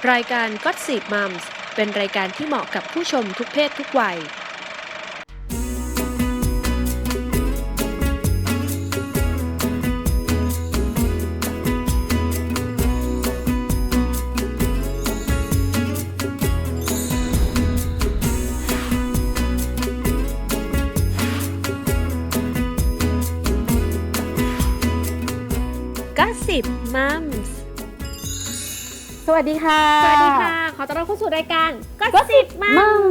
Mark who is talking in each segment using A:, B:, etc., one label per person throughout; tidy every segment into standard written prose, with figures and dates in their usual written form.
A: รายการ Gossip Moms เป็นรายการที่เหมาะกับผู้ชมทุกเพศทุกวัยGossip Moms
B: สวัสดีค่ะ
C: สวัสดีค่ะ ขอต้อนรับเข้าสู่รายการ Gossip Mom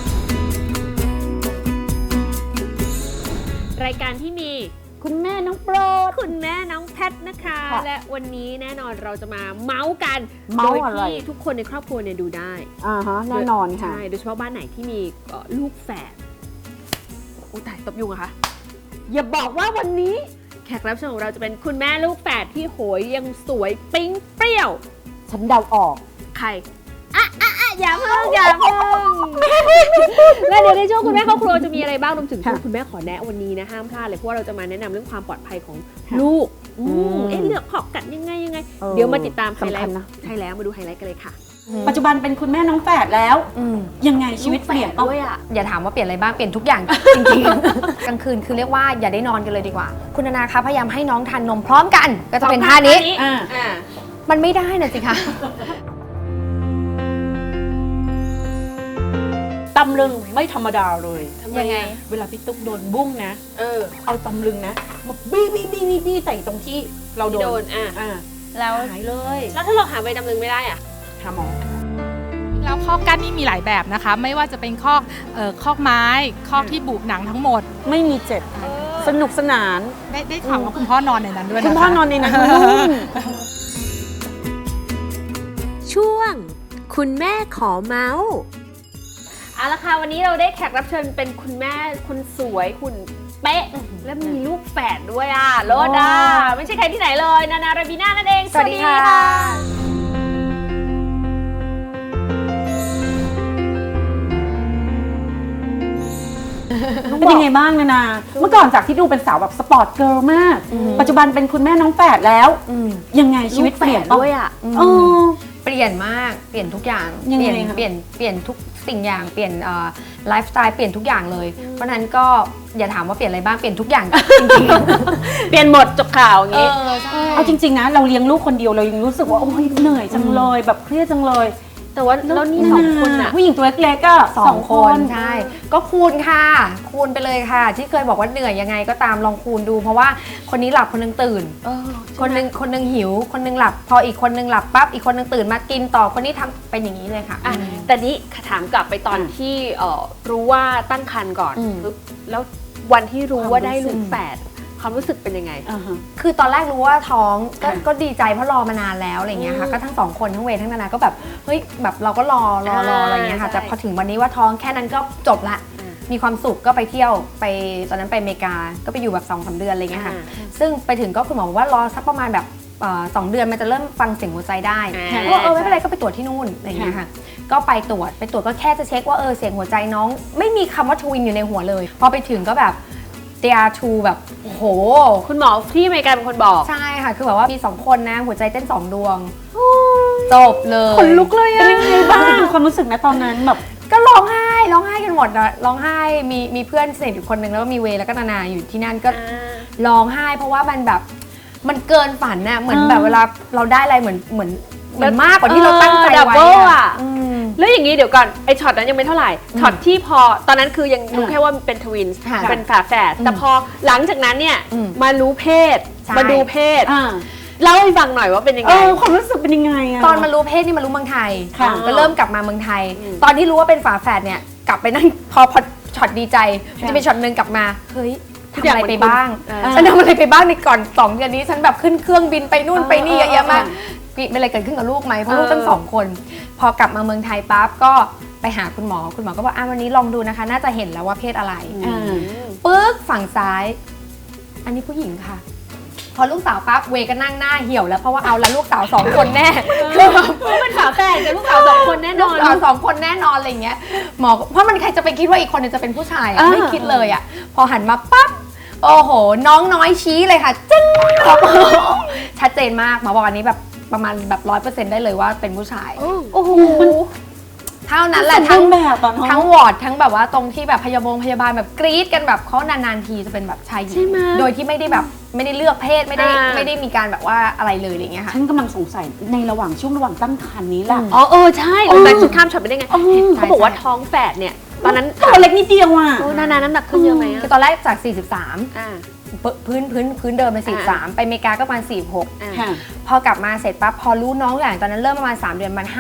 C: รายการที่มี
B: คุณแม่น้องโปรด
C: คุณแม่น้องแพทนะคะ และวันนี้แน่นอนเราจะมาเมาส์กัน
B: เมา
C: โด
B: ส์
C: ย
B: อะไร
C: ที่ทุกคนในครอบครัวเนี่ยดูได้
B: แน่นอนค่ะ
C: ใช่โดยเฉพาะบ้านไหนที่มีลูกแฝดโอ้ตายตบยุงอะคะ
B: อย่าบอกว่าวันนี้
C: แขกรับเชิญของเราจะเป็นคุณแม่ลูกแฝดที่โหยยังสวยปิ๊งเปรี้ยว
B: ฉันเดาออก
C: ใครอย่าเพิ่งแล้วเดี๋ยวในช่วงคุณแม่ครอบครัวจะมีอะไรบ้างรวมถึงช่วงคุณแม่ขอแนะวันนี้นะห้ามพลาดเลยเพราะว่าเราจะมาแนะนำเรื่องความปลอดภัยของลูกเลือกขอบกัดยังไงเดี๋ยวมาติดตามไฮไลท์ใช่แล้วมาดูไฮไลท์กันเลยค่ะ
B: ปัจจุบันเป็นคุณแม่น้องแฝดแล้วยังไงชีวิตเปลี่ยน
C: ด้วยอ่ะ
D: อย่าถามว่าเปลี่ยนอะไรบ้างเปลี่ยนทุกอย่าง จริงๆ กลางคืนคือเรียกว่าอย่าได้นอนกันเลยดีกว่า คุณนานาคะพยายามให้น้องทานนมพร้อมกันก็จะเป็นท่านี้มันไม่ได้นะสิคะ
B: ตำลึงไม่ธรรมดาเลย
D: ยังไง
B: เวลาพี่ตุ๊กโดนบุ้งนะเอาตำลึงนะมาบี้ใส่ตรงที่เราโดน
D: แล้ว
B: หายเลย
C: แล้วถ้าเราหาใบดำลึงไม่ได้อ่ะ
B: หาหมอ
E: แล้วคอกกั้นนี่มีหลายแบบนะคะ ไม่ว่าจะเป็นคอกไม้คอกที่บุหนังทั้งหมด
B: ไม่มีเจ็บสนุกสนาน
E: ได้ข่าวว่าคุณพ่อนอนในนั้นด้วยนะคะ
B: คุณพ่อนอนในนั้นนุ่ม
A: ช่วงคุณแม่ขอเมาส์
C: เอาละค่ะวันนี้เราได้แขกรับเชิญเป็นคุณแม่คุณสวยคุณเป๊ะและมีลูกแฝดด้วยอ่ะโลดาไม่ใช่ใครที่ไหนเลยนานาราบีน่านั่นเอง
D: สวัสดีค่ะ
B: เป็นยังไงบ้างนะเมื่อก่อนจากที่ดูเป็นสาวแบบสปอร์ตเกิร์ลมาก ปัจจุบันเป็นคุณแม่น้องแฝดแล้วยังไงชีวิตเปลี่ยน
C: ด้วยอ่ะ
D: เปลี่ยนมากเปลี่ยนทุกอย่าง
B: ยัง
D: เป
B: ไง
D: ลี่ยน
B: คะ
D: เปลี่ยนทุกสิ่งอย่างเปลี่ยนไลฟ์สไตล์เปลี่ยนทุกอย่างเลย เพราะนั้นก็อย่าถามว่าเปลี่ยนอะไรบ้างเปลี่ยนทุกอย่างจริงๆ
C: เปลี่ยนหมดจบข่าวอย่างนี้
B: เอาจริงๆนะเราเลี้ยงลูกคนเดียวเรายังรู้สึกว่าโอ้ยเหนื่อยจังเลยแบบเครียดจังเลย
C: แต่ว่าแล้วนี่สองคนอ่ะ
B: ผู้หญิงตัวเล็กๆก็
D: สองคนใช่ก็คูณค่ะคูณไปเลยค่ะ ที่เคยบอกว่าเหนื่อยยังไงก็ตามลองคูณดู เพราะว่าคนนี้หลับคนนึงตื่นคนนึงหิวคนนึงหลับพออีกคนนึงหลับปั๊บอีกคนนึงตื่นมากินต่อคนนี้ทำเป็นอย่างนี้เลยค่ะ
C: แต่นี้ถามกลับไปตอนที่รู้ว่าตั้งครรภ์ก่อนแล้ววันที่รู้ว่าได้ลูกแฝดความรู้สึกเป็นยังไง
D: คือตอนแรกรู้ว่าท้องก็ดีใจเพราะรอมานานแล้วอะไรเงี้ยค่ะก็ทั้งสองคนทั้งเวย์ทั้งนานาก็แบบเฮ้ยแบบเราก็รออะไรเงี้ยค่ะแต่พอถึงวันนี้ว่าท้องแค่นั้นก็จบละมีความสุขก็ไปเที่ยวไปตอนนั้นไปอเมริกาก็ไปอยู่แบบ 2-3 เดือนอะไรเงี้ยค่ะซึ่งไปถึงก็คุณหมอบอกว่ารอสักประมาณแบบ2 เดือนมันจะเริ่มฟังเสียงหัวใจได้ก็ไม่เป็นไรก็ไปตรวจที่นู่นอะไรเงี้ยค่ะก็ไปตรวจก็แค่จะเช็คว่าเสียงหัวใจน้องไม่มีคำว่าทวินอยู่ในหัวเลยพอไปถึงก็แบบDR2 แบบโอ้โห
C: คุณหมอที่อเมริกาเป็นคนบอก
D: ใช่ค่ะคือแบบว่ามี 2 คนนะหัวใจเต้น2 ดวงจบเลย
B: ขนลุกเลยอะเป็นยังไงบ้างดูความรู้สึกนะตอนนั้นแบบ
D: ก็ร้องไห้กันหมดอะร้องไห้มีเพื่อนสนิทอยู่คนหนึ่งแล้วก็มีเวย์แล้วก็นานาอยู่ที่นั่นก็ร้องไห้เพราะว่ามันแบบมันเกินฝันน่ะเหมือนแบบเวลาเราได้อะไรเหมือนมากกว่าที่เราตั้งใจไว้อะ
C: แล้วอย่างนี้เดี๋ยวก่อนไอช็อตนั้นยังไม่เท่าไหร่ช็อตที่พอตอนนั้นคือยังรู้แค่ว่าเป็นทวินส์เป็นฝาแฝดแต่พอหลังจากนั้นเนี่ยมารู้เพศมาดูเพศเล่าให้ฟังหน่อยว่าเป็นยังไง
B: ความรู้สึกเป็นยังไงอะ
D: ตอนมารู้เพศนี่มารู้เมืองไทยก็เริ่มกลับมาเมืองไทยตอนที่รู้ว่าเป็นฝาแฝดเนี่ยกลับไปนั่งพอช็อตดีใจจะเป็นช็อตนึงกลับมาเฮ้ยทำอะไรไปบ้างฉันทำอะไรไปบ้างในก่อน2 เดือนนี้ฉันแบบขึ้นเครื่องบินไปนู่นไปนี่เยอะมากมีอะไรเกิดขึ้นกับลูกไหมเพราะลูกตั้ง2 คนพอกลับมาเมืองไทยปั๊บก็ไปหาคุณหมอก็บอกวันนี้ลองดูนะคะน่าจะเห็นแล้วว่าเพศอะไรปึ๊กฝั่งซ้ายอันนี้ผู้หญิงค่ะพอลูกสาวปั๊บเวก็นั่งหน้าเหี่ยวแล้วเพราะว่าเอาละลูกสาว2 คนแน่
C: คือเป็นฝาแฝดกับลูกสาว2 คนแน่นอน
D: ลูกสาว2 คนแน่นอนอะไรอย่างเงี้ยหมอเพราะมันใครจะไปคิดว่าอีกคนนึงจะเป็นผู้ชายไม่คิดเลยอ่ะพอหันมาปั๊บโอ้โหน้องน้อยชี้เลยค่ะจึ้งชัดเจนมากหมอบอกอันนี้แบบประมาณแบบ100%ได้เลยว่าเป็นผู้ชาย
C: โอ้โห
D: เท่านั้นแหละ
B: ทั้
D: ทั้
B: ง
D: ง
B: แบบตอนท้อง
D: ทั้งวอร์ดทั้งแบบว่าตรงที่แบบพยาบาลแบบกรี๊ดกันแบบเขานานๆทีจะเป็นแบบชายหญิ
C: ใช่
D: ง
C: ไหม
D: โดยที่ไม่ได้แบบไม่ได้เลือกเพศไม่ได้
C: อ่า
D: ไม่ได้มีการแบบว่าอะไรเลยอะไรเงี้ยค่ะ
B: ฉันกำลังสงสัยในระหว่างช่วงระหว่างตั้งครรภ์นี้แหละ
C: อ๋อใช่แต่ชุดข้ามช็อตไปได้ไงเขาบอกว่าท้องแฝดเนี่ยตอนนั้น
B: ตัวเล็กนิดเดียวอ่ะ
C: โอ้นานาน้ำหนักขึ้นเยอะไหม
D: คือตอนแรกจาก 43
C: อ่า
D: พื้นเดิมเป็น43ไปอเมริกาก็ประมาณ46
B: ค่ะ
D: พอกลับมาเสร็จปั๊บพอรู้น้องอย่างตอนนั้นเริ่มประมาณ3 เดือนมัน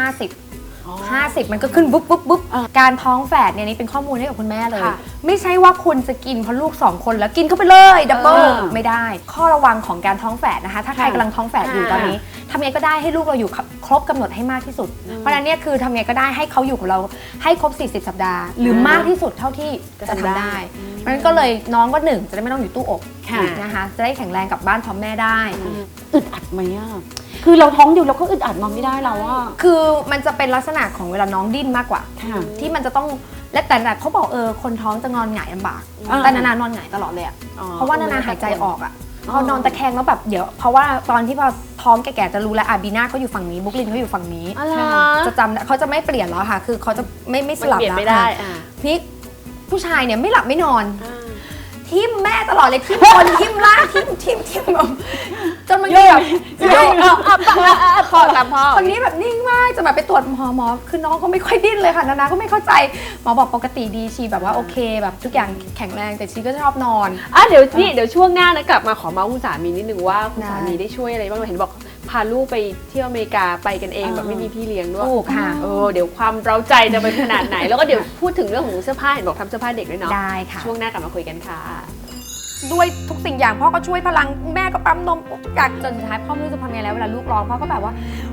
D: 50มันก็ขึ้นบุ๊บการท้องแฝดเนี่ยนี่เป็นข้อมูลให้กับคุณแม่เลย
C: ค่ะ
D: ไม่ใช่ว่าคุณจะกินเพราะลูก2คนแล้วกินเข้าไปเลยดับเบิล ไม่ได้ ข้อระวังของการท้องแฝดนะคะถ้าใครกำลังท้องแฝดอยู่ตอนนี้ทำไงก็ได้ให้ลูกเราอยู่ครบกำหนดให้มากที่สุด เพราะฉะนั้นเนี่ยคือทำไงก็ได้ให้เขาอยู่กับเราให้ครบ40 สัปดาห์ หรือมากที่สุดเท่าที่จะทำได้เพราะฉะนั้นก็เลยน้องก็1จะได้ไม่ต้องอยู่ตู้อบ
B: ค่ะ
D: นะคะจะได้แข็งแรงกลับบ้านพร้อมแม่ได้
B: อึดอัดไหมอ่ะคือเราท้องอยู่เราก็อึดอัดนอนไม่ได้แล้วอ่ะ
D: คือมันจะเป็นลักษณะของเวลาน้องดิ้นมากกว่า
B: ค่ะ
D: ที่มันจะต้องและแต่เขาบอกคนท้องจะนอนหงายลำบาก แต่นานอนหงายตลอดเลยอะเพราะว่านาหายใจออกอะพอนอนตะแคงแล้วแบบเดี๋ยวเพราะว่าตอนที่พอท้องแก่ๆจะรู้แล้วบีน่าเขาอยู่ฝั่งนี้บุ๊กลินเขาอยู่ฝั่งนี้
C: อะไร
D: จะจำเขาจะไม่เปลี่ยนแล้วค่ะ คือเขาจะไม่สลับ
C: เปลี่ยน
D: แล้ว
C: ไม่ได้
D: ค่ะนี่ผู้ชายเนี่ยไม่หลับไม่นอน
C: อ่า
D: ทิมแม่ตลอดเลยทิมบนทิมล่างทิมแบบจนมันแบบ
C: พ่อตามพ่อ
D: คนนี้แบบนิ่งมากจะแบบไปตรวจหมอคือน้องก็ไม่ค่อยดิ้นเลยค่ะนานาก็ไม่เข้าใจหมอบอกปกติดีชีแบบว่าโอเคแบบทุกอย่างแข็งแรงแต่ชีก็ชอบนอน
C: เดี๋ยวช่วงหน้านะกลับมาขอเมาส์คุณสามีนิดนึงว่าคุณสามีได้ช่วยอะไรบ้างเห็นบอกพาลูกไปเที่ยวอเมริกาไปกันเองแบบไม่มีพี่เลี้ยงด้วย
D: ถูกค่ะ
C: เดี๋ยวความเร้าใจจะเป็นขนาดไหน แล้วก็เดี๋ยวพูดถึงเรื่องของเสื้อผ้าเห็นบอกทำเสื้อผ้าเด็กด้วยเนาะ
D: ได้ค่ะ
C: ช่วงหน้ากลับมาคุยกันค่ะ
D: ด้วยทุกสิ่งอย่างพ่อก็ช่วยพลังแม่ก็ปั๊มนมทุกอย่างจนสุดท้ายพ่อไม่รู้จะทำยังไงแล้วเวลาลูกร้องพ่อก็แบบว่า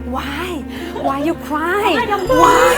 D: why you cry why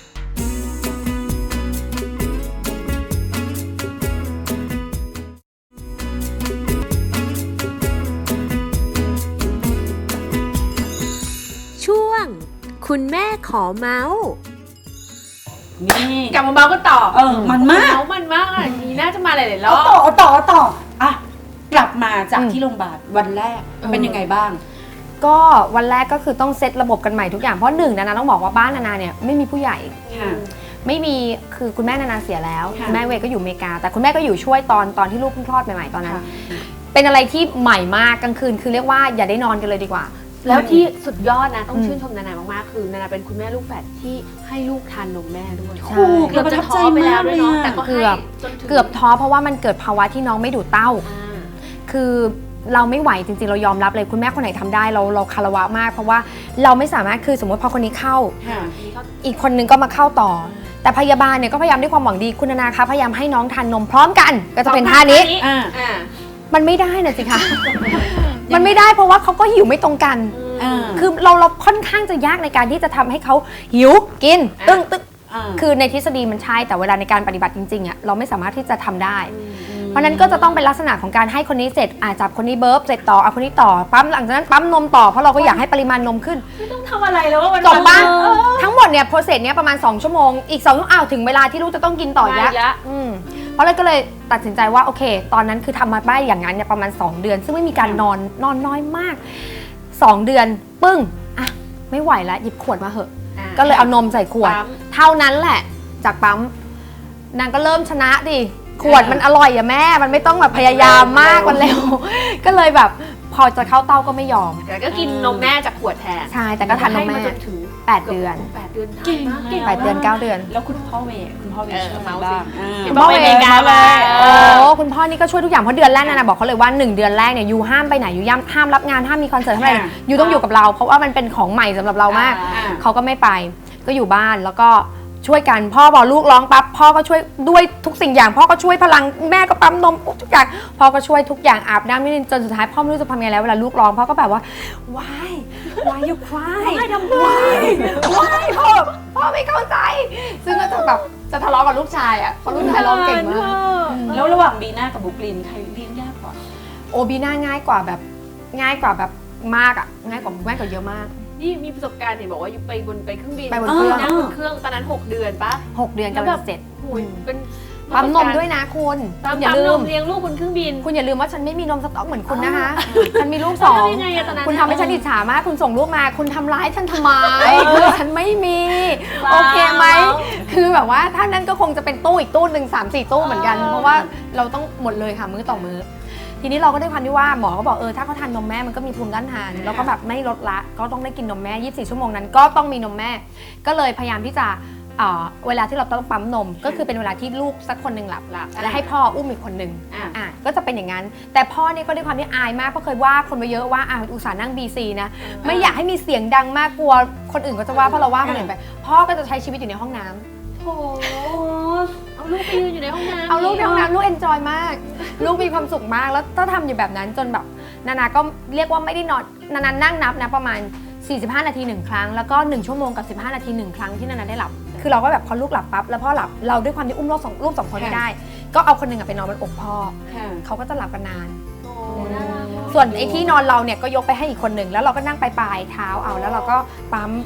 A: ช่วง คุณแม่ขอเมาส์
B: นี่
C: กลับมาเมาส์กันต่อ
B: มันมาก
C: เมาส์มันมากอ่ะนี่น่าจะมาหลายๆร
B: เอา
C: อบ
B: ต่ออ่ะกลับมาจากที่โรงพยาบาลวันแรกเป็นยังไงบ้าง
D: ก็วันแรกก็คือต้องเซตระบบกันใหม่ทุกอย่างเพราะหนึ่งนานาต้องบอกว่าบ้านนานาเนี่ยไม่มีผู้ใหญ่
B: ค่ะ
D: ไม่มีคือคุณแม่นานาเสียแล้ว
B: ค่ะ
D: คุณแม่เวย์ก็อยู่อเมริกา แต่คุณแม่ก็อยู่ช่วยตอนที่ลูกเพิ่งคลอดใหม่ๆตอนนั้น
B: ค่ะ
D: เป็นอะไรที่ใหม่มากกลางคืนคือเรียกว่าอย่าได้นอนกันเลยดีกว่า
C: แล้วที่สุดยอดนะต้องชื่นชมนานามากๆคือนานาเป็นคุณแม่ลูกแฝดที่ให้ลูกทานนมแม่ด้วย
D: ใช่
C: เกือบจะท้อไปแล้วด้วยเนาะแต่ก็ให้
D: เกือบ
C: จนถึง
D: เกือบท้อเพราะว่ามันเกิดภาวะที่น้องไม่ดูดเต้า คือเราไม่ไหวจริงๆเรายอมรับเลยคุณแม่คนไหนทำได้เราคารวะมาก เพราะว่าเราไม่สามารถคือสมมติพอคนนี้เข้า
B: ค่ะ
D: อีกคนนึงก็มาเข้าต่อ แต่พยาบาลเนี่ยก็พยายามด้วยความหวังดีคุณนานาคะพยายามให้น้องทานนมพร้อมกันก็จะเป็นท่านี้
B: อ่า
D: มันไม่ได้นะสิคะ มันไม่ได้เพราะว่าเขาก็หิวไม่ตรงกัน คือเราค่อนข้างจะยากในการที่จะทำให้เขาหิวกินตึ้งคือในทฤษฎีมันใช่แต่เวลาในการปฏิบัติจริงๆอ่ะเราไม่สามารถที่จะทำได้ เพราะนั้นก็จะต้องเป็นลักษณะของการให้คนนี้เสร็จจับคนนี้เบิร์ฟเสร็จต่อเอาคนนี้ต่อปั๊มหลังจากนั้นปั๊มนมต่อเพราะเราก็อยากให้ปริมาณนมขึ้น
C: ต้องทำอะไรแล้วว่าวัน
D: จบบ้านทั้งหมดเนี่ยโปรเซสเนี้ยประมาณ2ชั่วโมงอีก2ชั่วโมงถึงเวลาที่ลูกจะต้องกินต่ออีกแล้วเพราะเลยก็เลยตัดสินใจว่าโอเค ตอนนั้นคือทำมาได้อย่างนั้นเนี่ยประมาณ2เดือน ซึ่งไม่มีการนอนน้อยมาก2เดือนปึ้งอ่ะไม่ไหวแล้วหยิบขวดมาเหอะก็เลยเอานมใส่ขวดเท่านั้นแหละจากปั๊มนางก็เริ่มชนะดิขวดมันอร่อยอะแม่มันไม่ต้องแบบพยายามมากมันเร็ว ก็เลยแบบพอจะเข้าเต้าก็ไม่ยอม
C: แต่ก็กินนมแม่จากขวดแทน
D: ใช่แต่ก็ทานนมแม่
C: ให้าจนถึง
D: 8 เดือน
C: 8 เดือน
B: เก่งมาก
D: 8 เดือน 9 เดือน
B: แล้วคุณพ่อเวช่วยบ้าง
C: เห็นบอกไปอเมริกามา
D: โอ้คุณพ่อนี่ก็ช่วยทุกอย่างเพราะเดือนแรกนะบอกเขาเลยว่า1เดือนแรกเนี่ยยูห้ามไปไหนยูห้ามรับงานห้ามมีคอนเสิร์ตห้ามอะไรยูต้องอยู่กับเราเพราะว่ามันเป็นของใหม่สำหรับเรามากเขาก็ไม่ไปก็อยู่บ้านแล้วก็ช่วยกันพ่อบอกลูกร้องปั๊บพ่อก็ช่วยด้วยทุกสิ่งอย่างพ่อก็ช่วยพลังแม่ก็ปั๊มนมทุกอย่างพ่อก็ช่วยทุกอย่างอาบน้ำนี่จนสุดท้ายพ่อไม่รู้จะทำยังไงแล้วเวลาลูกร้องพ่อก็แบบว่า why you cry why พ่อไม่เข้าใจซึ่งก็จะแบบจะทะเลาะกับลูกชายอ่ะเพราะลูกชายร้องเก่งมาก
B: แล้วระหว่างบีน่ากับบุ๊กลินใครเลี้ยงยากกว่า
D: โอบีน่าง่ายกว่าแบบมากอ่ะง่ายกว่าเยอะมาก
C: นี่มีประสบการณ์เห็นบอกว่าไปเครื่องบิน
D: ไปบนเครื่อง
C: นั่งบนเครื่องตอนนั้น6 เดือนปะ
D: 6 เดือนกำลังจะเสร็จ
C: โอ้ยเป็น
D: ปั๊มนมด้วยนะคุณอย่า
C: ปั๊ม
D: ลื
C: น
D: ม
C: มเลี้ยงลูกบนเครื่องบิน
D: คุณอย่าลืมว่าฉันไม่มีนมสต๊อกเหมือนคุณนะคะ ฉันมีลูก
C: แล้ว
D: 2
C: ยังไงอะตอนนั้น
D: คุณทำให้ฉันอิจฉามาก คุณส่งลูกมา คุณทำร้ายฉันทำไมฉันไม่มี โอเคไหม คือแบบว่าถ้านั้นก็คงจะเป็นตู้อีกตู้หนึ่ง3-4 ตู้เหมือนกัน เพราะว่าเราต้องหมดเลยค่ะมื้อต่อมื้อ ทีนี้เราก็ด้วยความที่ว่าหมอก็บอกถ้าเขาทานนมแม่มันก็มีภูมิต้านทาน แล้วก็แบบไม่ลดละ ก็ต้องได้กินนมแม่24 ชั่วโมงนั้นก็ต้องมีนมแม่ ก็เลยพยายามที่จะเวลาที่เราต้องปั๊มนมก็คือเป็นเวลาที่ลูกสักคนหนึ่งหลับและให้พ่ออุ้มอีกคนหนึ่งก็จะเป็นอย่างนั้นแต่พ่อเนี่ยก็ด้วยความที่อายมากเพราะเคยว่าคนมาเยอะว่าอุตส่าห์นั่ง BC นะไม่อยากให้มีเสียงดังมากกลัวคนอื่นก็จะว่าเพราะเราว่าคนอื่นไปพ่อก็จะใช้ชีวิตอยู่ในห้องน้ำ
C: โอ้เอาลูกไปยืนอยู่ในห้องน้ำ
D: เอาลูกในห้องน้ำลูกเอนจอยมาก ลูกมีความสุขมากแล้วถ้าทำอยู่แบบนั้นจนแบบนานาก็เรียกว่าไม่ได้นอนนานานั่งนับนะประมาณ45 นาที1ครั้งแล้วก็1ชั่วโมงกับ15 นาที1ครั้งที่นานาได้หลับคือเราก็แบบพอลูกหลับปั๊บแล้วพ่อหลับเราด้วยความที่อุ้มลูกสองคนไม่ได้ ก็เอาคนหนึ่งไปนอนบนอกพ่อเขาก็จะหลับกันนาน ส่วนไอ้ที่นอนเราเนี่ยก็ยกไปให้อีกคนหนึ่งแล้วเราก็นั่งปลายเท้าเอาแล้วเราก็ปั๊ม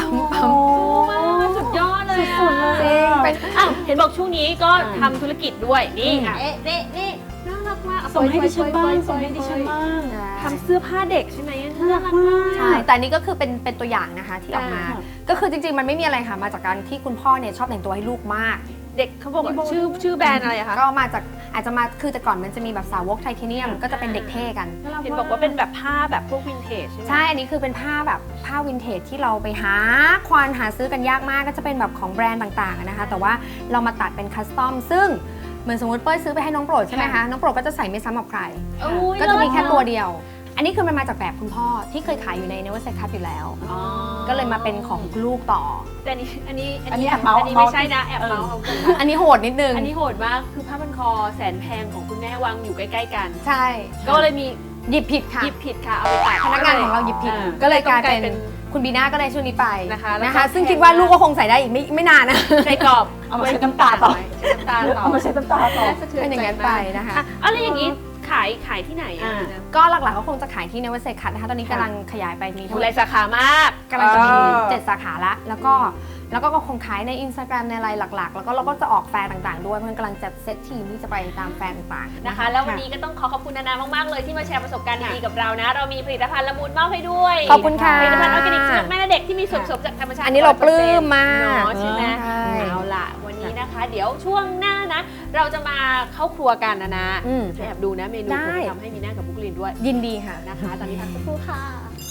C: สุดยอดเลย
D: สุดๆเลยเป็น
C: เห็นบอกช่วงนี้ก็ทำธุรกิจด้วยนี่ค่ะนี่น่ารักมาก
B: ส่งให้ดิฉันบ้างส่งให้ดิฉันบ้าง
C: ทำเสื้อผ้าเด็กใช่ไหมน่ารักมาก
D: ใช่แต่อันนี้ก็คือเป็นตัวอย่างนะคะที่ออกมา ก็คือจริงๆมันไม่มีอะไรค่ะมาจากการที่คุณพ่อเนี่ยชอบแต่งตัวให้ลูกมาก
C: เด็กเขาบอกว่าชื่อแบรนด์อะไรอะคะ
D: ก็มาจากอาจจะมาคือแต่ก่อนมันจะมีแบบสาวกไทเทเนียมก็จะเป็นเด็กเท่กัน
C: เห็นบอกว่าเป็นแบบผ้าแบบพวกวินเทจใช่ไหม
D: ใช่ อันนี้คือเป็นผ้าแบบผ้าวินเทจที่เราไปควานหาซื้อกันยากมากก็จะเป็นแบบของแบรนด์ต่างๆนะคะแต่ว่าเรามาตัดเป็นคัสตอมซึ่งเหมือนสมมติเป้ยซื้อไปให้น้องโปรดใช่ไหมคะน้องโปรดก็จะใส่ไม่ซ้ำกับใครก็จะมีแค่ตัวเดียว อันนี้คือมันมาจากแบบคุณพ่อที่เคยขายอยู่ใน Never Say Cut อยู่แล้วก็เลยมาเป็นของลูกต่อ
C: แต่อันนี้
B: อันนี้แอบเมาส์
C: อันนี้ไม่ใช่นะแอบเมาส์
D: อันนี้โหดนิดนึง
C: อันนี้โหดมากคือผ้าพันคอแสนแพงของคุณแม่วางอยู่ใกล้ๆกัน
D: ใช่
C: ก็เลยมี
D: หยิบผิดค่ะ
C: หยิบผิดค่ะเอาไปตัด
D: พนักงานของเราหยิบผิด ก็เลยกลายเป็นคุณบีน่าก็เลยช่วงนี้ไป
C: นะคะแล้วก็
D: นะคะซึ่งคิดว่าลูกก็คงใส่ได้อีกไม่นานนะ
C: ใส่กรอบ
B: เอามาใช้น้ำตาต่อ
C: ใช้น้ำตาต่อ
B: เอามาใช้น้ำตาต่อ
D: เป็นอย่างนั้นไปนะคะ
C: อะไรอย่างนี้ขายที่ไหนอะ
D: ก็หลักๆก็คงจะขายที่ Never Say Cut นะคะตอนนี้กำลังขยายไปมี
C: ดูหลายสาขามาก
D: กำลังจะมี7 สาขาละแล้วก็คงขายใน Instagram ในอะไรหลักๆ แล้วก็เราก็จะออกแฟร์ต่างๆด้วยเพราะกำลังจัดเซตทีมที่จะไปตามแฟร์ต่างๆ
C: นะคะแล้ววันนี้ก็ต้องขอบคุณนานามากๆเลยที่มาแชร์ประสบการณ์ดีๆกับเรานะ เรามีผลิตภัณฑ์ละมุนมอบให้ด้วย
D: ขอบคุณค่ะ
C: ผลิตภัณฑ์ออร์แกนิกสำหรับแม่และเด็กที่มีส่วนผสมจากธรรมชาติ
D: อันนี้เราปลื้มมาก
C: เนาะใช่ไหม
D: ใช่
C: เอาล่ะวันนี้นะคะ เดี๋ยวช่วงหน้านะ เราจะมาเข้าครัวกันนะแอบดูนะเมนู
D: ได้
C: ผมทำให้มีหน้ากับบุกลินด้วย
D: ยินดีค่ะ
C: นะคะ ตอนนี้พักสักครู่ค่ะ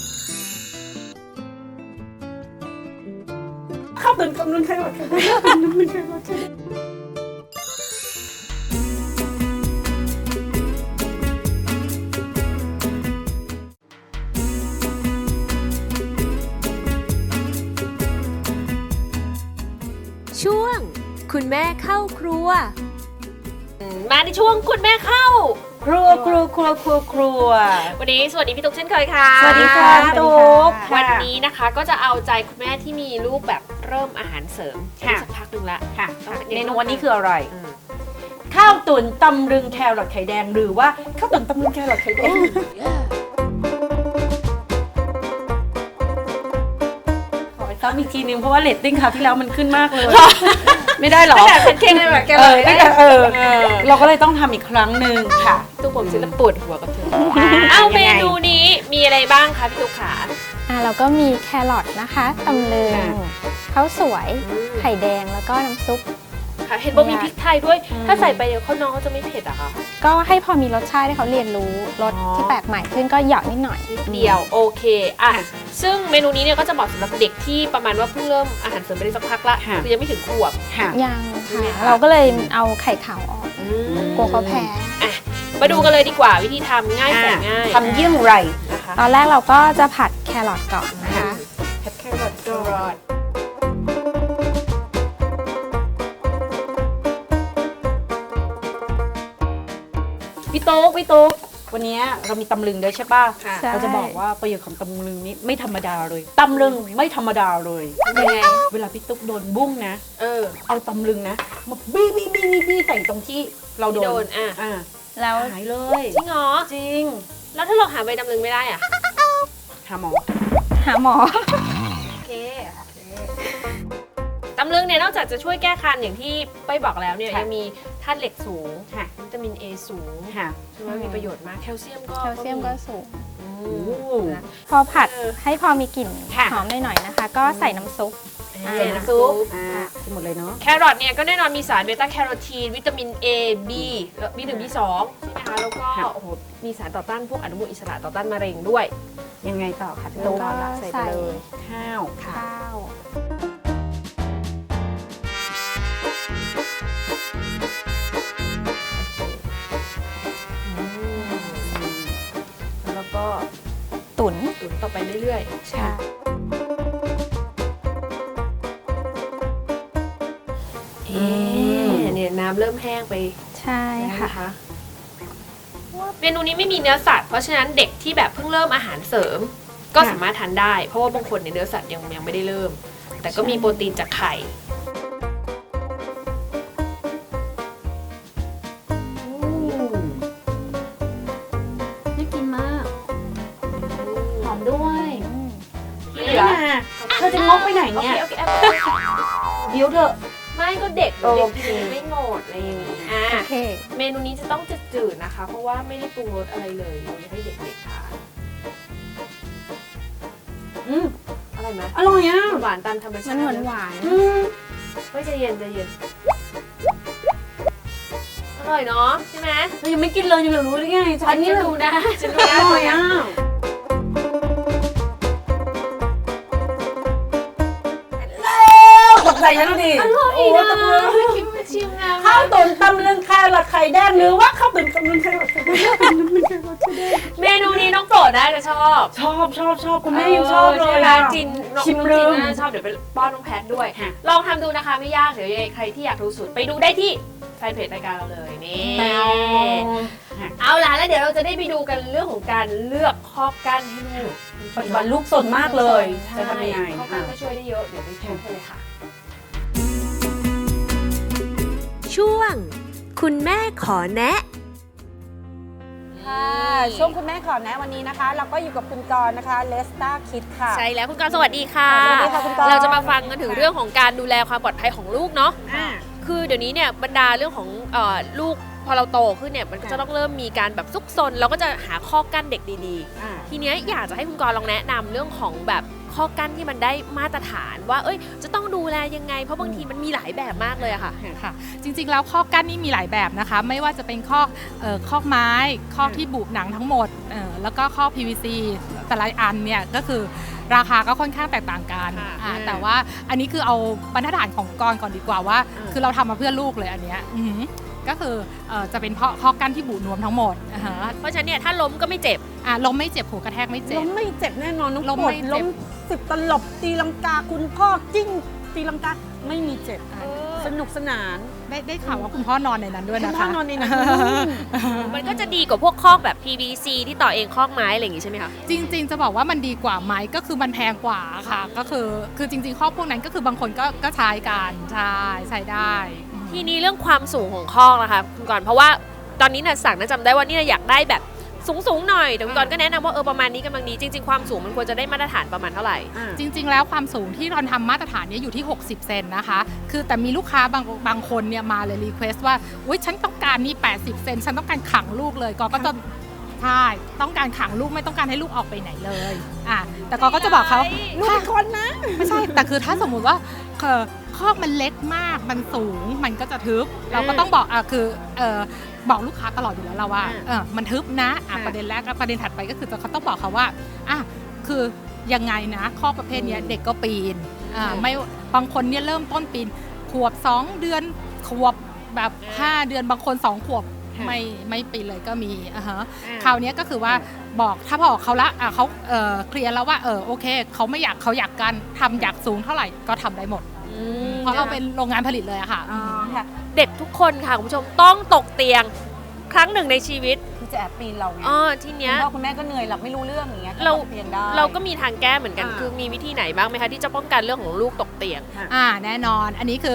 B: ข้าวตื่นกำลังใครวะ
A: ช่วงคุณแม่เข้าครัว
C: มาในช่วงคุณแม่เข้า
B: ครัว
C: วันนี้สวัสดีพี่ตุ๊กเช่นเคยค่ะ
B: สวัสดีค่ะตุ๊ก
C: วันนี้นะคะก็จะเอาใจคุณแม่ที่มีลูกแบบเริ่มอาหารเสริม
B: ค่ะ
C: สักพักหนึ่งละ
B: ค่ะ
C: ต้อง
B: เมนูวันนี้คืออะไร
C: อืม
B: ข้าวตุ๋นตำลึงแครอทไข่แดงหรือว่าข้าวตุ๋นตำลึงแครอทไข่แดงขอไปซ้ำอีกทีนึงเพราะว่าเรตติ้งคราวที่แล้วมันขึ้นมากเลย ไม่ได้หรอ
C: แบบเป็นเค้กเลยแบบแก
B: เอ
C: เล
B: อย ไม่ได้เราก็เลยต้องทำอีกครั้งหนึ่งค่ะ
C: ตุ๊กผมซื้อแล้วปวดหัวกับเธอเอาเมนูนี้มีอะไรบ้างคะพี่ตุ๊กขา
F: เราก็มีแครอทนะคะตำลึงข้าวสวย ไข่แดงแล้วก็น้ำซุป
C: ค่ะเห็นบอกมีพริกไทยด้วย ถ้าใส่ไปเดี๋ยวเขาน้องเขาจะไม่เผ็ดอะค่ะ
F: ก็ให้พอมีรสชาติให้เขาเรียนรู้รสที่แปลกใหม่ขึ้นก็เหยาะนิดหน่อย
C: นิดเดียวโอเคอ่ะซึ่งเมนูนี้เนี่ยก็จะเหมาะสำหรับเด็กที่ประมาณว่าเพิ่งเริ่มอาหารเสริมไปได้สักพักละ
B: ค่ะ
C: คือยังไม่ถึงขวบ
B: ค่ะ
F: ยัง
C: ใช่ไหม
F: ค่ะ
C: คะ
F: เราก็เลยเอาไข่ขาวออกกลัวเขาแพ้
C: อ่ะมาดูกันเลยดีกว่าวิธีทำง่ายแสนง่าย
B: ทำเยี่ยงไร
C: นะคะ
F: ตอนแรกเราก็จะผัดแครอทก่อนนะคะ
B: ผัดแครอทก่อน พี่โต๊กวันนี้เรามีตำลึงด้วยใช่ป่ะ
C: ค่ะ
F: ใช่
B: เราจะบอกว่าประโยชน์ของตำลึงนี้ไม่ธรรมดาเลยตำลึงไม่ธรรมดาเลย
C: ยังไง
B: เวลาพี่ตุ๊กโดนบุ้งนะ เอาตำลึงนะมาบี้ใส่ตรงที่เราโด
C: ที่โด
B: น
C: นอ่ะ
F: แล้ว
B: หายเลย
C: จริงเหรอ
B: จริง
C: แล้วถ้าเราหาใบดำลึงไม่ได้อ่ะ
B: หาหมอ
F: หาหมอ
C: โอเคตำลึงเนี่ยนอกจากจะช่วยแก้คันอย่างที่เป้ยบอกแล้วเนี่ย
B: ค่ะ
C: ยังมีธาตุเหล็กสูง
B: ค่ะ
C: วิตามิน A สูง
B: ค่ะ
C: ใช่ไหมมีประโยชน์มากแคลเซียมก็
F: แคลเซียมก็สูง
C: อื
B: โอ้
C: ม
F: พอผัดให้พอมีกลิ่น
B: ค่ะ
F: หอมหน่อยๆนะคะ ก็ใส่น้ำซุป
C: ใส่น้ำซุป
B: กินหมดเลยเนาะ
C: แครอทเนี่ยก็แน่นอนมีสารเบต้าแคโรทีนวิตามิน A B แล้ว B1 B2 ใช่ไหมคะแล้วก็
B: ค่ะ
C: โอ้โหมีสารต่อต้านพวกอนุมูลอิสระต่อต้านมะเร็งด้วย
B: ยังไงต่อคะพี่
F: แล้ว
B: ตุ๊ก
F: ก็
C: ใส่ไปเลย
B: ข้าว
F: ข้าว
C: แล้วก็
F: ตุ๋น
C: ตุ๋นต่อไปเรื่อย
F: ใช่
C: ๆเนี่ยน้ำเริ่มแห้งไป
F: ใช่
C: แล้ว
F: ค่ะ
C: นะคะเมนูนี้ไม่มีเนื้อสัตว์เพราะฉะนั้นเด็กที่แบบเพิ่งเริ่มอาหารเสริม ก็สามารถทานได้ เพราะว่าบางคนเนี่ยเนื้อสัตว์ยังไม่ได้เริ่ม แต่ก็มีโปรตีนจากไข่
B: น่ากินมาก หอมด้วย
C: ที่เหลือ
B: เธอจะงกไปไหนเนี่ย
C: โอเค
B: เดี๋ยวเถอะ
C: ไม่ก็เด็ก
B: โอ
C: เด็ก
B: เค
C: กินไม่หมดอะไรอย่างนี้อ่ะ
F: โอเค
C: เมนูนี้จะต้องจืดๆนะคะ เพราะว่าไม่ได้ปรุงรสอะไรเลยเราจะให้เด็กๆทาน
B: อืม
C: อร่อยไหม
B: อร่อยอ่ะ
C: หวานตามธรรมชา
F: มั
C: ติ
F: นหวาน
B: อืม
C: ไม่ใจเย็นใจเย็นอร่อยเนาะใช่ไหม
B: เรายังไม่กินเลยยังไม่รู้เลยไงฉันนี่
C: จะดูนะจะดู
B: อ
C: นะ
B: ร่อยอ่ะตกใจฉันดูดิ
C: อร่อย
B: โอ้
C: นะ
B: ตบมือ
C: คิดว่าชิมนะ
B: ข้าวตุ๋นตำลึงแครอทไข่แดงหรือว่าข้าวตุ๋นตำลึงแครอทไข่แดง
C: เมนูนี้น้องโปรดน่าจะชอบ
B: ชอบคุณแม่ยังชอบเลย
C: ใช่ไหม
B: อะ
C: จินน้อง
B: ชิม
C: จิ
B: ลื
C: น
B: ม
C: น่าจะชอบเดี๋ยวไปป้อนน้องแพทด้วย
B: ค่ะ
C: ลองทำดูนะคะไม่ยากเดี๋ยวยังไงใครที่อยากรู้สูตรไปดูได้ที่แฟนเพจรายการเราเลยนี่เอาล่ะแล้วเดี๋ยวเราจะได้ไปดูกันเรื่องของการเลือกข้อกั้นให้ลูก
B: ปัจจุบันลูกสนมากเลย
C: ใช่
B: จะทำยังไง
C: ข้อกั้นก็ช่วยได้เยอะเดี๋ยวไปชมกันเลยค่ะ
A: ช่วง คุณแม่ขอแนะ
B: ค่ะช่วงคุณแม่ขอแนะวันนี้นะคะ เราก็อยู่กับคุณกรณ์นะคะเลสตาคิดค่ะ
C: ใช่แล้วคุณกรณ์สวัสดีค่ะ
B: สวัสดีค่ะคุณกรณ์
C: เราจะมาฟังกันถึงเรื่องของการดูแลความปลอดภัยของลูกเนาะ
B: อ่า
C: คือเดี๋ยวนี้เนี่ยบรรดาเรื่องของลูกพอเราโตขึ้นเนี่ยมันก็จะต้องเริ่มมีการแบบซุกซนเราก็จะหาข้อกั้นเด็กดีๆ ทีเนี้ยอยากจะให้คุณกรณ์ลองแนะนำเรื่องของแบบข้อกั้นที่มันได้มาตรฐานว่าจะต้องดูแลยังไง เพราะบางทีมันมีหลายแบบมากเลยอะค่ะ
E: ค่ะจริงๆแล้วข้อกั้นนี่มีหลายแบบนะคะ ไม่ว่าจะเป็นข้อไม้ข้อที่บุหนังทั้งหมดแล้วก็ข้อ PVC แต่ละอันเนี่ยก็คือราคาก็ค่อนข้างแตกต่างกัน
C: ค่ะ
E: แต่ว่าอันนี้คือเอาบรรทัดฐานของกรก่อนดีกว่าว่า คือเราทำมาเพื่อลูกเลยอันเนี้ยก็คือจะเป็นข้อกั้นที่บุนวมทั้งหมดนะคะ
C: เพราะฉะนั้นเนี่ยถ้าล้มก็ไม่เจ็บ
E: ล้มไม่เจ็บหัวกระแทกไม่เจ็บ
B: ล้มไม่เจ็บแน่นอนน้อง
E: ล้ม
B: ปวด
E: ไม่เจ็บ
B: ล้ม10 ตลบตีลังกาคุณพ่อจิ้งตีลังกาไม่มีเจ็บสนุกสนาน
E: ได้ข่าวว่าคุณพ่อนอนในนั้นด้วย
B: คุณ
E: นะ
B: พ่อ
E: คะ
B: นอนในนั้น
C: มันก็จะดีกว่าพวกข้อกแบบ PVC ที่ต่อเองข้อกไม้อะไรอย่างงี้ใช่ไหมคะ
E: จริงๆจะบอกว่ามันดีกว่าไหมก็คือมันแพงกว่าค่ะก็คือจริงๆข้อพวกนั้นก็คือบางคนก็ใช้กันใช้ได้
C: ทีนี้เรื่องความสูงของข้อกนะคะคุณกรณ์เพราะว่าตอนนี้น่ะสั่งน่าจำได้ว่านี่อยากได้แบบสูงๆหน่อยแต่คุณกรณ์ก็แนะนำว่าประมาณนี้กำลังดีจริงๆความสูงมันควรจะได้มาตรฐานประมาณเท่าไหร่
E: จริงๆแล้วความสูงที่เราทำมาตรฐานเนี้อยู่ที่ 60 เซนนะคะคือแต่มีลูกค้าบางคนเนี่ยมาเลยรีเควสต์ว่าอุ๊ยฉันต้องการนี่80 เซนฉันต้องการขังลูกเลยก็จะใช่ต้องการขังลูกไม่ต้องการให้ลูกออกไปไหนเลยแต่ก็จะบอกเขา
B: ลูกเป็นคนนะ
E: ไม่ใช่แต่คือถ้าสมมุติว่าคอกมันเล็กมากมันสูงมันก็จะทึบเราก็ต้องบอกบอกลูกค้าตลอดอยู่แล้วเราว่ามันทึบนะประเด็นแรกประเด็นถัดไปก็คือเขาต้องบอกเขาว่าคือยังไงนะข้อประเภทนี้เด็กก็ปีนไม่บางคนเนี่ยเริ่มต้นปีนขวบ2 เดือนขวบแบบ5 เดือนบางคน2 ขวบไม่ปีนเลยก็มีคราวนี้ก็คือว่าบอกถ้าบอกเขาละเขาเคลียร์แล้วว่าโอเคเขาไม่เขาอยากกันทำอยากสูงเท่าไหร่ก็ทำได้หมดเพราะเราเป็นโรงงานผลิตเลยอะค่ะ
C: เด็กทุกคนค่ะคุณผู้ชมต้องตกเตียงครั้งหนึ่งในชีวิต
B: คือจะแอบปีนเราไง
C: ทีเนี้ย
B: คุณพ่อคุณแม่ก็เหนื่อยหลับไม่รู้เรื่องอย่างเงี้ย
C: เรา
B: ก็ตกเตียงได้
C: เราก็มีทางแก้เหมือนกัน
B: อ่า
C: คือมีวิธีไหนบ้างไหมคะที่จะป้องกันเรื่องของลูกตกเตียง
E: แน่นอนอันนี้คือ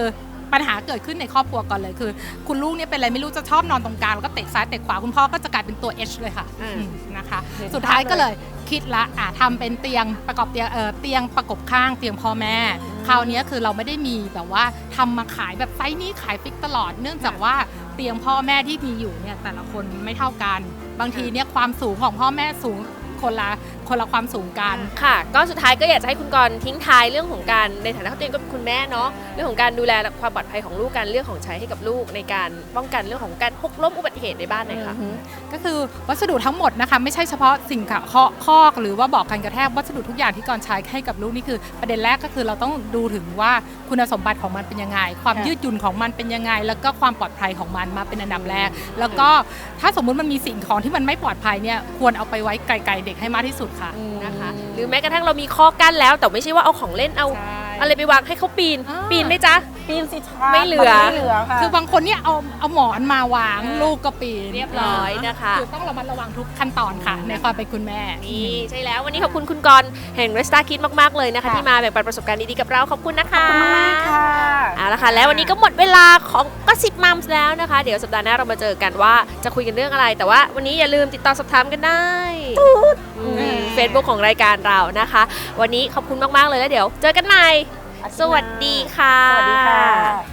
E: ปัญหาเกิดขึ้นในครอบครัวก่อนเลยคือ คุณลูกเนี่ยเป็นอะไรไม่รู้จะชอบนอนตรงกลางแล้วก็เตะซ้ายเตะขวาคุณพ่อก็จะกลายเป็นตัว H เลยค่ะนะคะ สุดท้ายก็เลยคิดละทำเป็นเตียงประกอบเตียงประกบข้างเตียงพ่อแม่คราวนี้คือเราไม่ได้มีแบบว่าทำมาขายแบบไซส์นี้ขายฟิกตลอดเนื่องจากว่าเตียงพ่อแม่ที่มีอยู่เนี่ยแต่ละคนไม่เท่ากันบางทีเนี่ยความสูงของพ่อแม่สูงคนละความสูงกัน
C: ค่ะ ก็สุดท้ายก็อยากจะให้คุณกรณ์ทิ้งท้ายเรื่องของการในฐานะที่ตัวเองก็เป็นคุณแม่เนาะเรื่องของการดูแลความปลอดภัยของลูกการเลือกของใช้ให้กับลูกในการป้องกันเรื่องของการหกล้มอุบัติเหตุในบ้านหน่อยค่ะ
E: ก็คือวัสดุทั้งหมดนะคะไม่ใช่เฉพาะสิ่งคอกหรือว่าบอกกันกระแทกวัสดุทุกอย่างที่กรใช้ให้กับลูกนี่คือประเด็นแรกก็คือเราต้องดูถึงว่าคุณสมบัติของมันเป็นยังไงความยืดหยุ่นของมันเป็นยังไงแล้วก็ความปลอดภัยของมันมาเป็นอันดับแรกแล้วก็ถ้าสมมุติมันมีสิ่งของที่มันไม่ปลอดภัยเนี่ยควรเอาไปไว้ไกลๆเด็กให้มากที่สุดค่ะนะคะ
C: หรือแม้กระทั่งเรามีข้อกั้นแล้วแต่ไม่ใช่ว่าเอาของเล่นเอาอะไรไปวางให้เขาปีนไหมจ๊ะ
B: ปีนสิคะ
C: ไม่เหลือ
B: ค่ะ
E: คือบางคนเนี่ยเอาหมอนมาวางลูกก็ปีน
C: เรียบร้อยนะคะ
E: คือต้องระมัดระวังทุกขั้นตอนค่ะในความเป็นคุณแม่
C: นี่ใช่แล้ววันนี้ขอบคุณคุณกรณ์แห่ง Resta Kids มากๆเลยนะคะที่มาแบ่งปันประสบการณ์ดีๆกับเราขอบคุณนะคะ
B: ขอบคุณมากค่ะ
C: เอาละค่ะแล้ววันนี้ก็หมดเวลาของGossip Momsแล้วนะคะเดี๋ยวสัปดาห์หน้าเรามาเจอกันว่าจะคุยกันเรื่องอะไร แต่ว่าวันนี้อย่าลืมติดต่อสอบถามกันได้Facebook ของรายการเรานะคะ วันนี้ขอบคุณมากๆเลยแล้วเดี๋ยวเจอกันใหม่สวัสดีค่ะ
B: สวัสดีค่ะ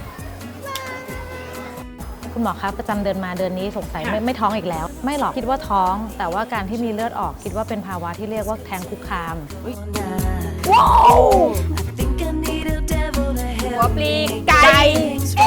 G: คุณหมอคะประจำเดือนมาเดือนนี้สงสัยไม่ท้องอีกแล้ว ไม่หรอกคิดว่าท้อง แต่ว่าการที่มีเลือดออกคิดว่าเป็นภาวะที่เรียกว่าแท้งคุกคาม
C: หัวปลีไก่